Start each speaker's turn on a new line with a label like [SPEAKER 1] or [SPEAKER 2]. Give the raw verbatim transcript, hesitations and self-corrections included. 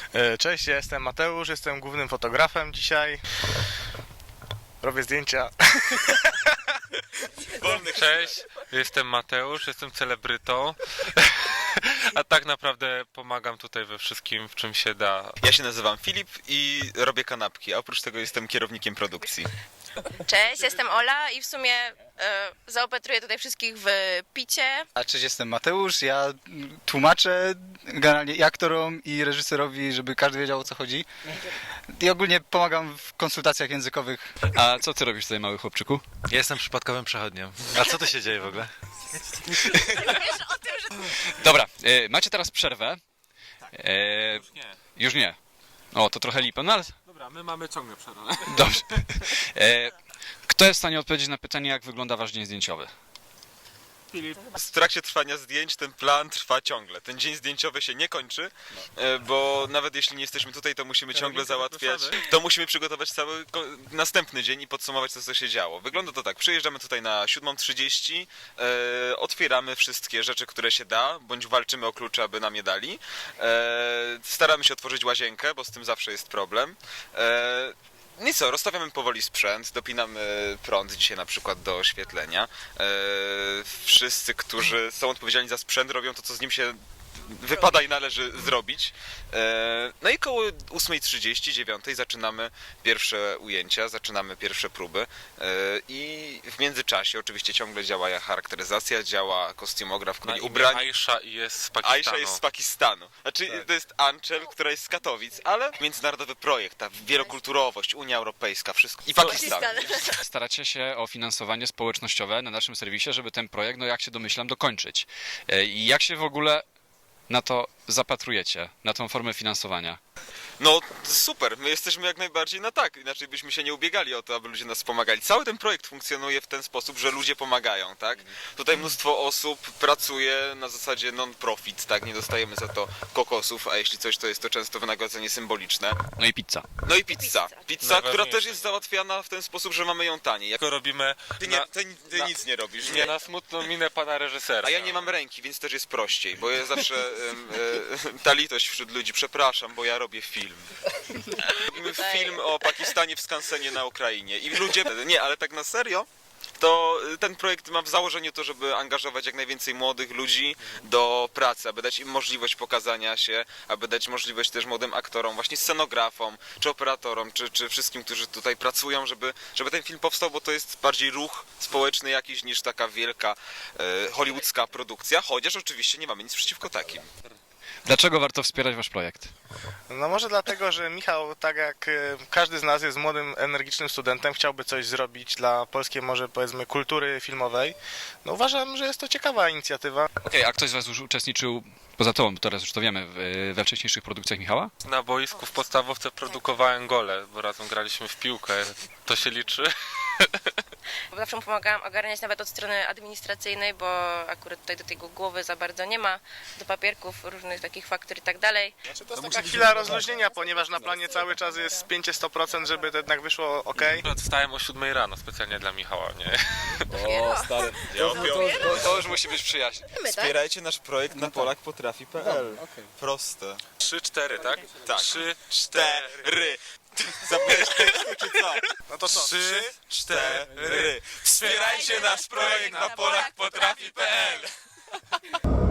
[SPEAKER 1] E, Cześć, ja jestem Mateusz, jestem głównym fotografem dzisiaj. Robię zdjęcia.
[SPEAKER 2] Cześć, jestem Mateusz, jestem celebrytą, a tak naprawdę pomagam tutaj we wszystkim, w czym się da.
[SPEAKER 3] Ja się nazywam Filip i robię kanapki, a oprócz tego jestem kierownikiem produkcji.
[SPEAKER 4] Cześć, jestem Ola i w sumie e, zaopatruję tutaj wszystkich w picie.
[SPEAKER 5] A cześć, jestem Mateusz, ja tłumaczę generalnie i aktorom, i reżyserowi, żeby każdy wiedział, o co chodzi. I ogólnie pomagam w konsultacjach językowych.
[SPEAKER 6] A co ty robisz tutaj, mały chłopczyku?
[SPEAKER 7] Ja jestem przypadkowym przechodniem. A co tu się dzieje w ogóle?
[SPEAKER 6] Dobra, e, macie teraz przerwę. E,
[SPEAKER 2] Już nie.
[SPEAKER 6] już nie. O, to trochę lipa, no ale
[SPEAKER 2] Dobra, my mamy ciągle przerwę.
[SPEAKER 6] dobrze. E, kto jest w stanie odpowiedzieć na pytanie, jak wygląda wasz dzień zdjęciowy?
[SPEAKER 3] W trakcie trwania zdjęć ten plan trwa ciągle. Ten dzień zdjęciowy się nie kończy, e, bo nawet jeśli nie jesteśmy tutaj, to musimy ciągle załatwiać. To musimy przygotować cały ko- następny dzień i podsumować to, co się działo. Wygląda to tak, przyjeżdżamy tutaj na siódma trzydzieści, e, otwieramy wszystkie rzeczy, które się da, bądź walczymy o klucze, aby nam je dali. E, staramy się otworzyć łazienkę, bo z tym zawsze jest problem. E, No i co, rozstawiamy powoli sprzęt, dopinamy prąd dzisiaj na przykład do oświetlenia. Eee, wszyscy, którzy są odpowiedzialni za sprzęt, robią to, co z nim się wypada i należy zrobić. Eee, no i koło ósma trzydzieści, dziewiąta zaczynamy pierwsze ujęcia, zaczynamy pierwsze próby. Eee, I w międzyczasie oczywiście ciągle działa charakteryzacja, działa kostiumograf, który ubrani.
[SPEAKER 2] Aisha i jest z Pakistanu.
[SPEAKER 3] Aisha jest z Pakistanu. Znaczy, to jest Anchel, która jest z Katowic, ale międzynarodowy projekt, ta wielokulturowość, Unia Europejska, wszystko. I Pakistan.
[SPEAKER 6] Staracie się o finansowanie społecznościowe na naszym serwisie, żeby ten projekt, no jak się domyślam, dokończyć. E, I jak się w ogóle na to zapatrujecie, na tą formę finansowania?
[SPEAKER 3] No super, my jesteśmy jak najbardziej na tak, inaczej byśmy się nie ubiegali o to, aby ludzie nas pomagali. Cały ten projekt funkcjonuje w ten sposób, że ludzie pomagają, tak? Tutaj mnóstwo osób pracuje na zasadzie non-profit, tak? Nie dostajemy za to kokosów, a jeśli coś, to jest to często wynagrodzenie symboliczne.
[SPEAKER 6] No i pizza.
[SPEAKER 3] No i pizza. Pizza, która
[SPEAKER 2] Najważniejsze.
[SPEAKER 3] też jest załatwiana w ten sposób, że mamy ją taniej. Jak...
[SPEAKER 2] Tylko robimy
[SPEAKER 3] Ty, nie,
[SPEAKER 2] na,
[SPEAKER 3] ty, ty
[SPEAKER 2] na-
[SPEAKER 3] nic nie robisz,
[SPEAKER 2] nie
[SPEAKER 3] nie?
[SPEAKER 2] na smutną minę pana reżysera.
[SPEAKER 3] A ja nie mam ręki, więc też jest prościej, bo ja zawsze em, e, ta litość wśród ludzi, przepraszam, bo ja robię film. Robimy film o Pakistanie w skansenie na Ukrainie i ludzie, nie, ale tak na serio, to ten projekt ma w założeniu to, żeby angażować jak najwięcej młodych ludzi do pracy, aby dać im możliwość pokazania się, aby dać możliwość też młodym aktorom, właśnie scenografom, czy operatorom, czy, czy wszystkim, którzy tutaj pracują, żeby, żeby ten film powstał, bo to jest bardziej ruch społeczny jakiś niż taka wielka e, hollywoodzka produkcja, chociaż oczywiście nie mamy nic przeciwko takim.
[SPEAKER 6] Dlaczego warto wspierać wasz projekt?
[SPEAKER 1] No może dlatego, że Michał, tak jak e, każdy z nas jest młodym, energicznym studentem, chciałby coś zrobić dla polskiej może powiedzmy kultury filmowej. No uważam, że jest to ciekawa inicjatywa.
[SPEAKER 6] Okej, a ktoś z was już uczestniczył, poza tobą, bo teraz już to wiemy, w, we wcześniejszych produkcjach Michała?
[SPEAKER 2] Na boisku w podstawówce produkowałem gole, bo razem graliśmy w piłkę. To się liczy?
[SPEAKER 4] Bo zawsze mu pomagałam ogarniać nawet od strony administracyjnej, bo akurat tutaj do tego głowy za bardzo nie ma, do papierków, różnych takich faktur i tak dalej.
[SPEAKER 1] Znaczy, to jest taka chwila rozluźnienia, ponieważ na planie cały czas jest pięć do stu procent, żeby to jednak wyszło ok.
[SPEAKER 2] Akurat wstałem o siódmej rano specjalnie dla Michała, nie?
[SPEAKER 5] O, stary.
[SPEAKER 3] Ja
[SPEAKER 6] To, to już musi być przyjaźń.
[SPEAKER 3] Wspierajcie nasz projekt na polak potrafi kropka p l. Proste.
[SPEAKER 2] Trzy, cztery, tak?
[SPEAKER 3] Tak.
[SPEAKER 2] Trzy,
[SPEAKER 3] Cztery. Zapomniałeś tekstu, czy co?
[SPEAKER 1] No to co?
[SPEAKER 2] trzy, cztery.
[SPEAKER 3] Cztery. Wspierajcie nasz projekt na polak potrafi kropka p l.